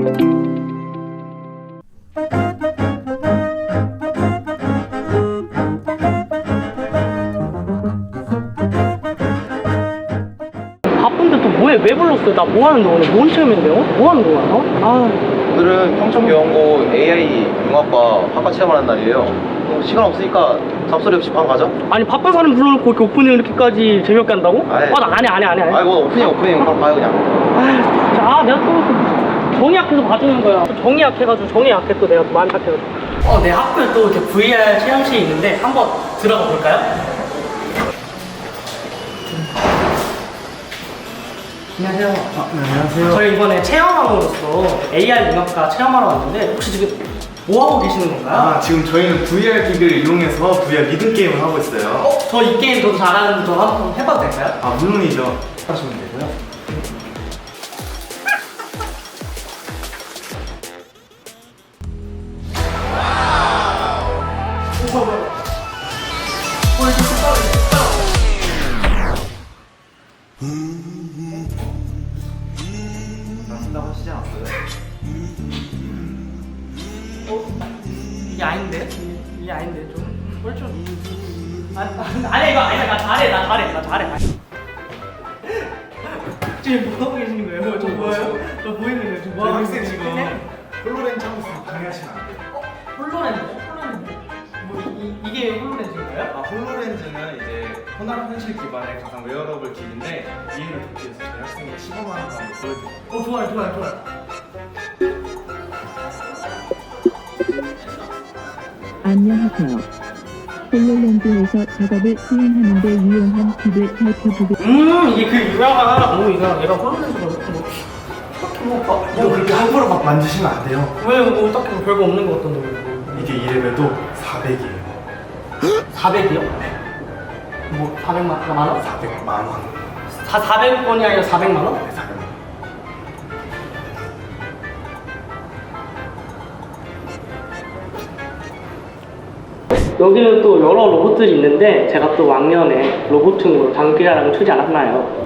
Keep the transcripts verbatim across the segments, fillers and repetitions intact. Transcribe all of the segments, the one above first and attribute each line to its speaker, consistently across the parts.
Speaker 1: 바쁜데 또 뭐해? 왜 불렀어요? 나 뭐 하는데 오늘? 뭔 체험인데요? 뭐 하는 거야? 어? 아,
Speaker 2: 오늘은 평촌교원고 에이아이 융합과 학과 체험을 하는 날이에요. 뭐 시간 없으니까 잡소리 없이 방 가죠?
Speaker 1: 아니 바쁜 사람 불러놓고 이렇게 오프닝 이렇게까지 재미없게 한다고?
Speaker 2: 아이.
Speaker 1: 아, 나 안 해, 안 해, 안 해. 안 해.
Speaker 2: 아니 뭐 오프닝 오프닝 그럼 가요 그냥.
Speaker 1: 아, 진짜. 아, 내가 또 정이 약해서 봐주는 거야. 또 정이 약해가지고 정이 약해 또 내가 또 마음이 약해가지고. 어, 내 학교에 또 이렇게 브이알 체험실이 있는데 한번 들어가 볼까요? 안녕하세요.
Speaker 3: 아, 네, 안녕하세요.
Speaker 1: 저희 이번에 체험함으로써 에이알 융합과 체험하러 왔는데 혹시 지금 뭐 하고 계시는 건가요?
Speaker 3: 아, 지금 저희는 브이알 기기를 이용해서 브이알 리듬 게임을 하고 있어요.
Speaker 1: 어? 저 이 게임 저도 잘하는데 저 한번 해봐도 될까요?
Speaker 3: 아, 물론이죠. 하시면 되고요. 나쓴다고 하시지 않았어요?
Speaker 1: 어? 이게 아닌데? 이게 아닌데 좀? 뭘 좀... 아니, 아니 이거 아니야. 나 잘해 나 잘해 나 잘해 지금 뭐 하고 계시는 거예요? 저 뭐예요? 저 보이는 거예요? 지금 뭐 하고
Speaker 3: 학생
Speaker 1: 계시는
Speaker 3: 지금
Speaker 1: 거예요?
Speaker 3: 홀로렌즈 하고 있으면 방해하시면 안 돼요.
Speaker 1: 어? 홀로렌즈? 홀로렌즈? 뭐 이, 이게 홀로렌즈인가요?
Speaker 3: 아, 홀로렌즈는 이제 혼합 현실 기반의 가상 웨어러블 기기인데 이해를 돕기 위해서 저희 학생이 시범하는 거 한번 보여드릴게요.
Speaker 1: 어 좋아요 좋아요 좋아요
Speaker 4: 안녕하세요. 홀로렌즈에서 작업을 수행하는 데 유용한 팁을 살펴보겠습니다.
Speaker 1: 음 이게 그 유명한 뭐 이거 얘가 홀로렌즈가 뭐 딱히 뭐 막,
Speaker 3: 이거 그렇게 함부로 막 만지시면 안 돼요.
Speaker 1: 왜뭐 딱히 뭐 별거 없는 것 같던데 뭐.
Speaker 3: 이게 이래봬도 사백이에요.
Speaker 1: 사백이요? 뭐 사백만 원?
Speaker 3: 사백만 원.
Speaker 1: 사, 사백 원이 아니라 사백만 원?
Speaker 3: 네, 사백만 원.
Speaker 1: 여기는 또 여러 로봇들이 있는데 제가 또 왕년에 로봇충으로 장기자랑을 추지 않았나요?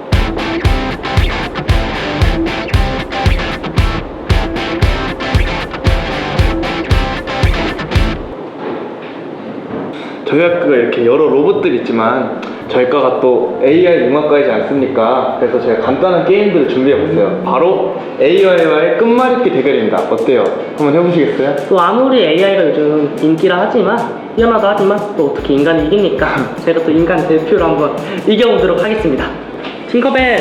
Speaker 2: 저희 학교가 이렇게 여러 로봇들이 있지만 저희 과가 또 에이아이 융합과이지 않습니까? 그래서 제가 간단한 게임들을 준비해봤어요. 바로 에이아이와의 끝말잇기 대결입니다. 어때요? 한번 해보시겠어요?
Speaker 1: 또 아무리 에이아이가 요즘 인기라 하지만 뛰어나다 하지만 또 어떻게 인간이 이깁니까? 제가 또 인간 대표로 한번 이겨보도록 하겠습니다. 팅커벨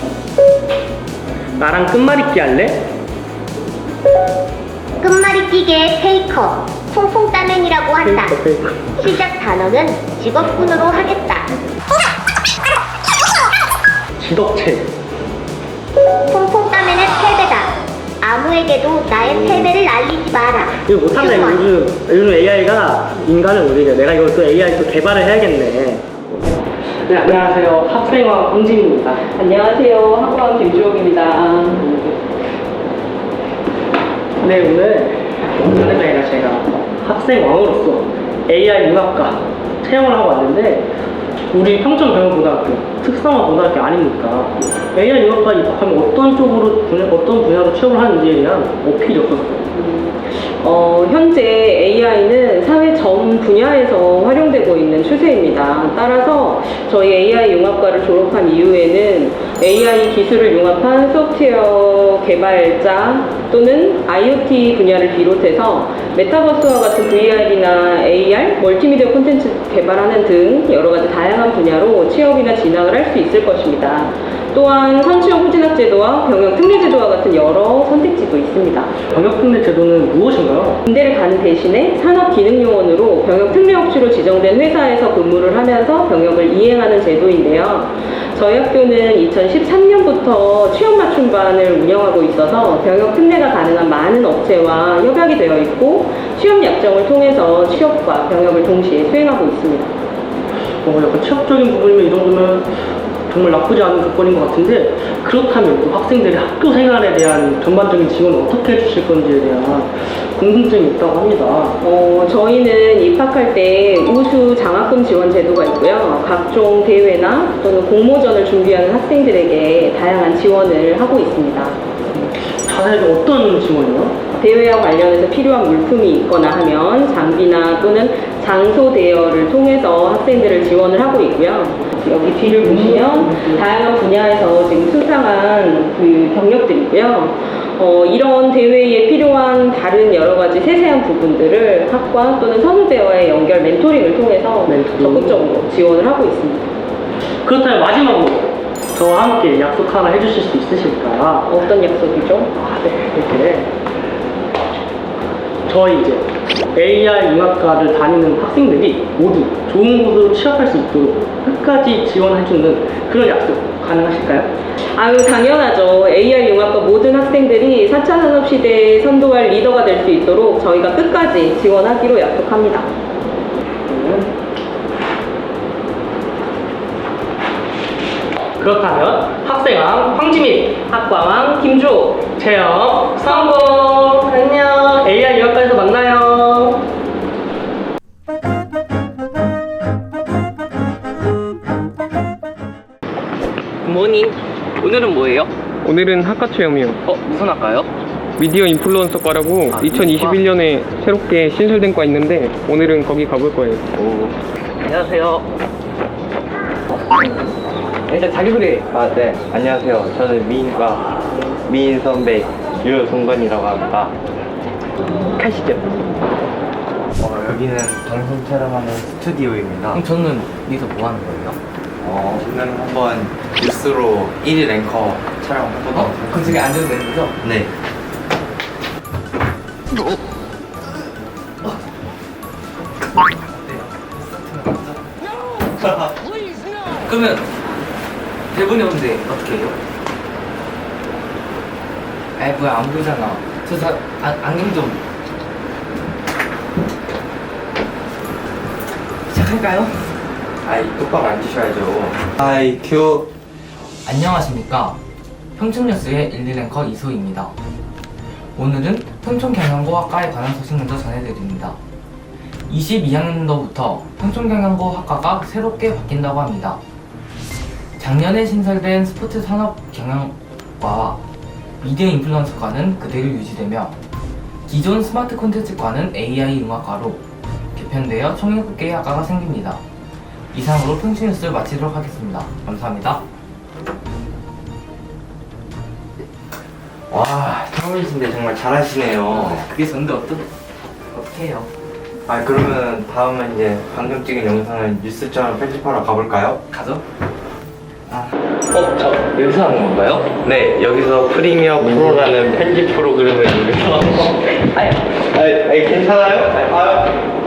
Speaker 1: 나랑 끝말잇기 할래?
Speaker 5: 끝말잇기계 페이커, 퐁퐁 따맨이라고 한다.
Speaker 1: 페이커, 페이커.
Speaker 5: 시작 단어는 직업군으로 하겠다.
Speaker 1: 지덕체
Speaker 5: 퐁퐁 따맨의 패배다. 아무에게도 나의 패배를 알리지 마라.
Speaker 1: 이거 못한다 이거 요즘 요즘 에이아이가 인간을 못 이겨. 내가 이걸 또 에이아이 또 개발을 해야겠네. 네 안녕하세요 학생왕 홍진입니다.
Speaker 6: 안녕하세요. 학부왕 김주옥입니다.
Speaker 1: 네 오늘 오늘 저희가 제가 학생왕으로서 에이아이 융합과 체험을 하고 왔는데 우리 평촌경영고등학교 특성화 고등학교 아닙니까? 에이아이 융합과 입학하면 어떤 쪽으로 분야, 어떤 분야로 취업을 하는지에 대한 어필이 없었어요.
Speaker 6: 어, 현재 에이아이는 사회 전 분야에서 활용되고 있는 추세입니다. 따라서 저희 에이아이 융합과를 졸업한 이후에는 에이아이 기술을 융합한 소프트웨어 개발자 또는 아이오티 분야를 비롯해서 메타버스와 같은 브이알이나 에이알, 멀티미디어 콘텐츠 개발하는 등 여러 가지 다양한 분야로 취업이나 진학을 할 수 있을 것입니다. 또한 선취형 후진학 제도와 병역 특례 제도와 같은 여러 선택지도 있습니다.
Speaker 1: 병역 특례 제도는 무엇인가요?
Speaker 6: 군대를 가는 대신에 산업기능요원으로 병역 특례업체로 지정된 회사에서 근무를 하면서 병역을 이행하는 제도인데요. 저희 학교는 이천십삼 년부터 취업 맞춤반을 운영하고 있어서 병역 특례가 가능한 많은 업체와 협약이 되어 있고 취업 약정을 통해서 취업과 병역을 동시에 수행하고 있습니다.
Speaker 1: 어, 약간 취업적인 부분이면 이 정도면 정말 나쁘지 않은 조건인 것 같은데 그렇다면 또 학생들이 학교 생활에 대한 전반적인 지원을 어떻게 해주실 건지에 대한 궁금증이 있다고 합니다.
Speaker 6: 어, 저희는 입학할 때 우수 장학금 지원 제도가 있고요. 각종 대회나 또는 공모전을 준비하는 학생들에게 다양한 지원을 하고 있습니다.
Speaker 1: 자세히 어떤 지원이요?
Speaker 6: 대회와 관련해서 필요한 물품이 있거나 하면 장비나 또는 장소 대여를 통해서 학생들을 지원을 하고 있고요. 여기 뒤를 보시면 다양한 분야에서 지금 수상한 그 경력들이고요. 어, 이런 대회에 필요한 다른 여러 가지 세세한 부분들을 학과 또는 선후배와의 연결 멘토링을 통해서
Speaker 1: 멘토링.
Speaker 6: 적극적으로 지원을 하고 있습니다.
Speaker 1: 그렇다면 마지막으로 저와 함께 약속 하나 해주실 수 있으실까요?
Speaker 6: 어떤 약속이죠?
Speaker 1: 아, 네, 이렇게 저희 이제 에이아이 융합과를 다니는 학생들이 모두 좋은 곳으로 취업할 수 있도록 끝까지 지원해주는 그런 약속 가능하실까요?
Speaker 6: 아유, 당연하죠. 에이아이 융합과 모든 학생들이 사 차 산업시대에 선도할 리더가 될 수 있도록 저희가 끝까지 지원하기로 약속합니다.
Speaker 1: 그렇다면 학생왕 황지민,
Speaker 6: 학과왕 김주호,
Speaker 1: 체험 성공! 안녕! 에이아이 융합과에서 만나요!
Speaker 7: 굿모닝. 오늘은 뭐예요?
Speaker 8: 오늘은 학과 체험이요.
Speaker 7: 어, 무슨 학과요?
Speaker 8: 미디어 인플루언서과라고
Speaker 7: 아,
Speaker 8: 이천이십일 년에 새롭게 신설된 과 있는데 오늘은 거기 가볼 거예요.
Speaker 7: 오. 안녕하세요. 일단 자기소개.
Speaker 2: 아, 네. 안녕하세요. 저는 미인과 미인 선배 유동건이라고 합니다.
Speaker 7: 가시죠.
Speaker 2: 어, 여기는 방송 촬영하는 스튜디오입니다.
Speaker 7: 그럼 저는 여기서 뭐 하는 거예요?
Speaker 2: 어, 오늘 한번 뉴스로 일 위 랭커 촬영해보도록
Speaker 7: 어? 그럼 저기 앉아도 되는 거죠?
Speaker 2: 네.
Speaker 7: 그러면 대본이 없는데 어떻게 해요? 아이 뭐야 안 보이잖아. 저 사, 아, 안경 좀 시작할까요?
Speaker 2: 아이, 똑바로 앉으셔야죠. 아이, 큐.
Speaker 7: 안녕하십니까. 평촌뉴스의 일, 이 랭커 이소희입니다. 오늘은 평촌경영고학과에 관한 소식 먼저 전해드립니다. 이십이 학년도부터 평촌경영고 학과가 새롭게 바뀐다고 합니다. 작년에 신설된 스포츠 산업 경영과와 미디어 인플루언서과는 그대로 유지되며 기존 스마트 콘텐츠과는 에이아이 융합과로 개편되어 총 일곱 개의 학과가 생깁니다. 이상으로 평촌뉴스를 마치도록 하겠습니다. 감사합니다.
Speaker 2: 와, 처음이신데 정말 잘하시네요.
Speaker 7: 그게 전데 어떤 어떻게 해요?
Speaker 2: 아, 그러면 다음은 이제 방금 찍은 영상을 뉴스처럼 편집하러 가볼까요?
Speaker 7: 가죠? 아, 어, 저 여기서 하는 건가요?
Speaker 2: 네, 여기서 프리미어 프로라는 편집 프로그램을 이용해서
Speaker 7: 아야.
Speaker 2: 아, 아, 괜찮아요? 아,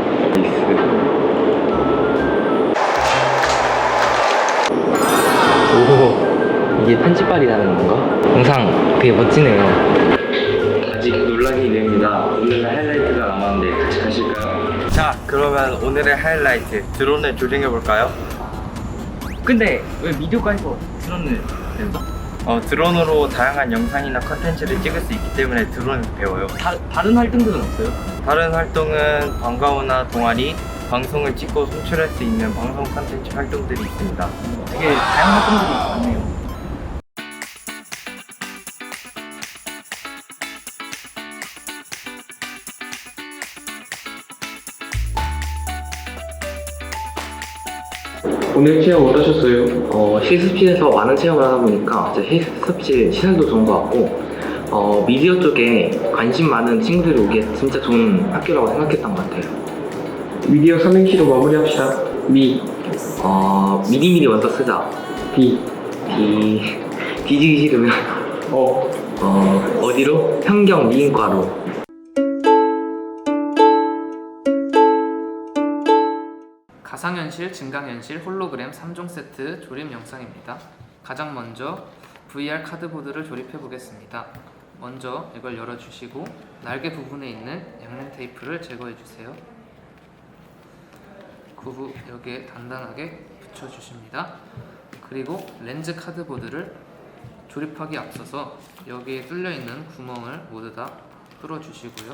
Speaker 7: 오, 이게 편집발이라는 건가? 영상 되게 멋지네요.
Speaker 2: 아직 놀라기 이릅니다. 오늘은 하이라이트가 남았는데 같이 가실까요? 자, 그러면 오늘의 하이라이트 드론을 조정해볼까요?
Speaker 7: 근데 왜 미디어과에서 드론을 배우죠?
Speaker 2: 어, 드론으로 다양한 영상이나 컨텐츠를 찍을 수 있기 때문에 드론을 배워요.
Speaker 7: 다, 다른 활동들은 없어요?
Speaker 2: 다른 활동은 방과후나 동아리, 방송을 찍고 송출할 수 있는 방송 컨텐츠 활동들이 있습니다.
Speaker 7: 되게 다양한 활동들이 많네요.
Speaker 8: 오늘 체험 어떠셨어요?
Speaker 9: 어, 실습실에서 많은 체험을 하다 보니까 이제 실습실 시설도 좋은 것 같고 어, 미디어 쪽에 관심 많은 친구들이 오기에 진짜 좋은 학교라고 생각했던 것 같아요.
Speaker 8: 미디어 삼행시로 마무리합시다. 미,
Speaker 9: 어, 미리미리 먼저 쓰자.
Speaker 8: 디,
Speaker 9: 디, 뒤지기 싫으면
Speaker 8: 어.
Speaker 9: 어, 어디로? 현경 미인과로.
Speaker 10: 가상현실, 증강현실, 홀로그램 삼 종 세트 조립 영상입니다. 가장 먼저 브이알 카드보드를 조립해 보겠습니다. 먼저 이걸 열어주시고 날개 부분에 있는 양면 테이프를 제거해 주세요. 그 후 여기에 단단하게 붙여주십니다. 그리고 렌즈 카드보드를 조립하기 앞서서 여기에 뚫려 있는 구멍을 모두 다 뚫어 주시고요.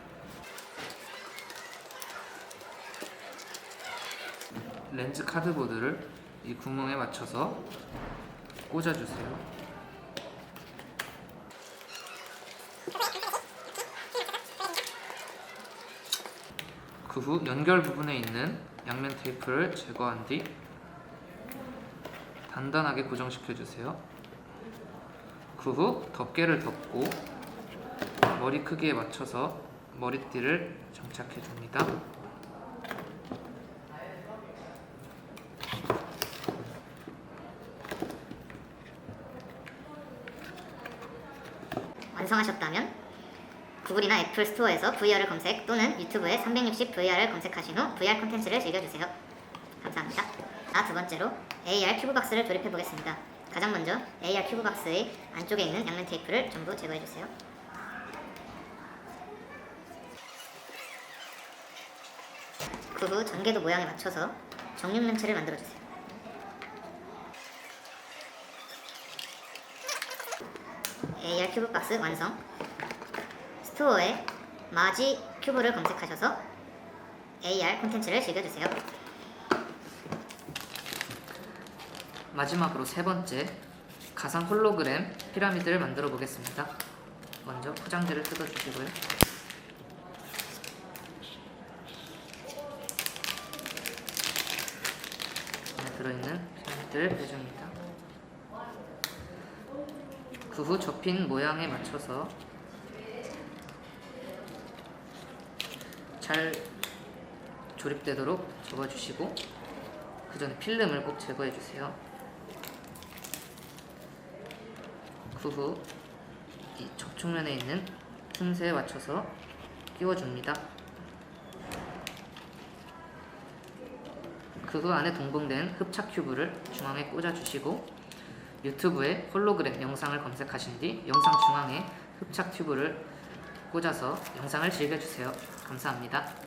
Speaker 10: 렌즈 카드보드를 이 구멍에 맞춰서 꽂아주세요. 그 후 연결 부분에 있는 양면 테이프를 제거한 뒤 단단하게 고정시켜 주세요. 그 후 덮개를 덮고 머리 크기에 맞춰서 머리띠를 장착해 줍니다.
Speaker 5: 완성하셨다면 구글이나 애플 스토어에서 브이알을 검색 또는 유튜브에 삼백육십 브이알을 검색하신 후 브이알 콘텐츠를 즐겨주세요. 감사합니다. 자, 두 번째로 에이알 큐브박스를 조립해 보겠습니다. 가장 먼저 에이알 큐브박스의 안쪽에 있는 양면 테이프를 전부 제거해 주세요. 그 후 전개도 모양에 맞춰서 정육면체를 만들어 주세요. 에이알 큐브박스 완성. 스토어에 마지 큐브를 검색하셔서 에이알 콘텐츠를 즐겨주세요.
Speaker 10: 마지막으로 세 번째, 가상 홀로그램 피라미드를 만들어 보겠습니다. 먼저 포장지를 뜯어주시고요. 안에 들어있는 피라미드를 빼줍니다. 그 후 접힌 모양에 맞춰서 잘 조립되도록 접어주시고 그 전에 필름을 꼭 제거해주세요. 그 후 이 접촉면에 있는 틈새에 맞춰서 끼워줍니다. 그 후 안에 동봉된 흡착 큐브를 중앙에 꽂아주시고 유튜브에 홀로그램 영상을 검색하신 뒤 영상 중앙에 흡착 튜브를 꽂아서 영상을 즐겨주세요. 감사합니다.